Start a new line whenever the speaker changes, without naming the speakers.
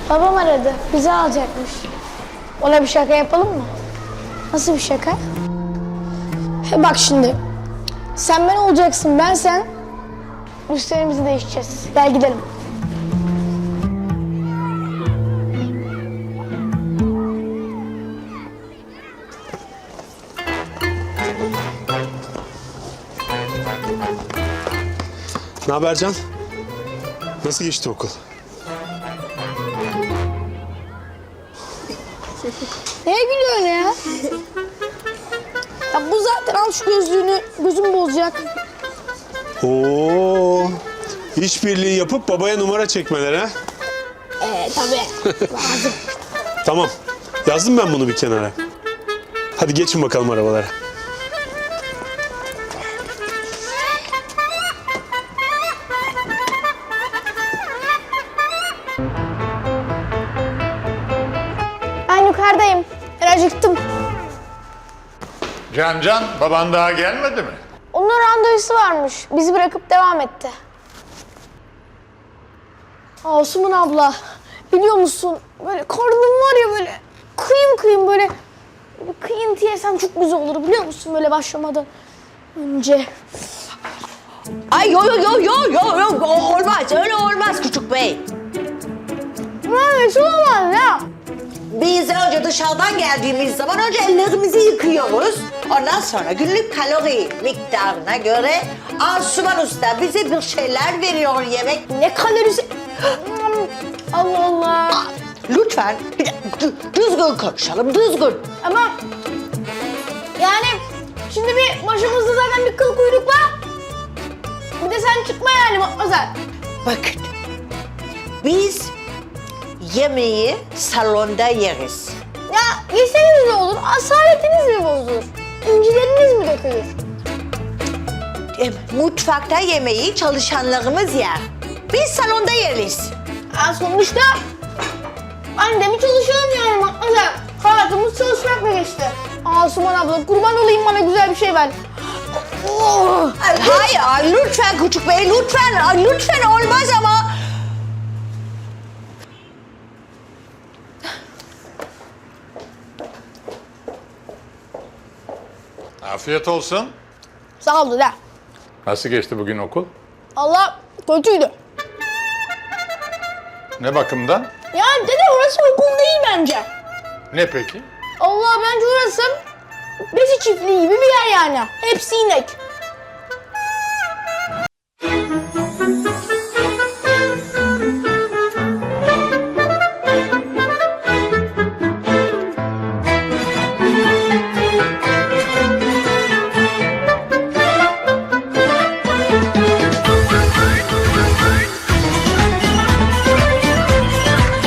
Babam aradı. Bizi alacakmış. Ona bir şaka yapalım mı? Nasıl bir şaka? Bak şimdi. Sen ben olacaksın, ben sen. Üstlerimizi değişeceğiz. Gel gidelim.
Ne haber Can? Nasıl geçti okul?
Neye gülüyorsun ya? Ya bu zaten al şu gözlüğünü, gözüm bozacak.
Oo, işbirliği yapıp babaya numara çekmeler ha?
Tabii. Lazım.
Tamam, yazdım ben bunu bir kenara. Hadi geçin bakalım arabalara.
Ben yukarıdayım. Ben acıktım.
Can, baban daha gelmedi mi?
Onun randevusu varmış. Bizi bırakıp devam etti. Asuman abla, biliyor musun? Böyle karnım var ya böyle kıyım kıyım böyle bir kıyıntı yesem çok güzel olur biliyor musun? Böyle başlamadan önce.
Ay yo olmaz öyle olmaz küçük bey.
Nasıl olmaz ya?
Biz önce dışarıdan geldiğimiz zaman önce ellerimizi yıkıyoruz. Ondan sonra günlük kalori miktarına göre Asuman Usta bize bir şeyler veriyor yemek.
Ne kalorisi? Allah Allah.
Lütfen düzgün konuşalım, düzgün.
Ama yani şimdi bir başımızda zaten bir kıl kuyruk var. Bir de sen çıkma yani Matmazel.
Bakın, biz yemeği salonda yeriz.
Ya yeseniz ne olur? Asaletiniz mi bozulur? İncileriniz mi dökülür?
Mutfakta yemeği çalışanlarımız yer. Biz salonda yeriz.
Sonuçta ben de mi çalışıyorum yani Matmazel? Hayatımız çalışmakla geçti. Asuman abla kurban olayım bana güzel bir şey ver. Oh.
Hayır, lütfen küçük bey, lütfen olmaz ama.
Afiyet olsun.
Sağ ol dede.
Nasıl geçti bugün okul?
Allah kötüydü.
Ne bakımdan?
Ya dede orası okul değil bence.
Ne peki?
Allah bence orası besi çiftliği gibi bir yer yani. Hepsi inek.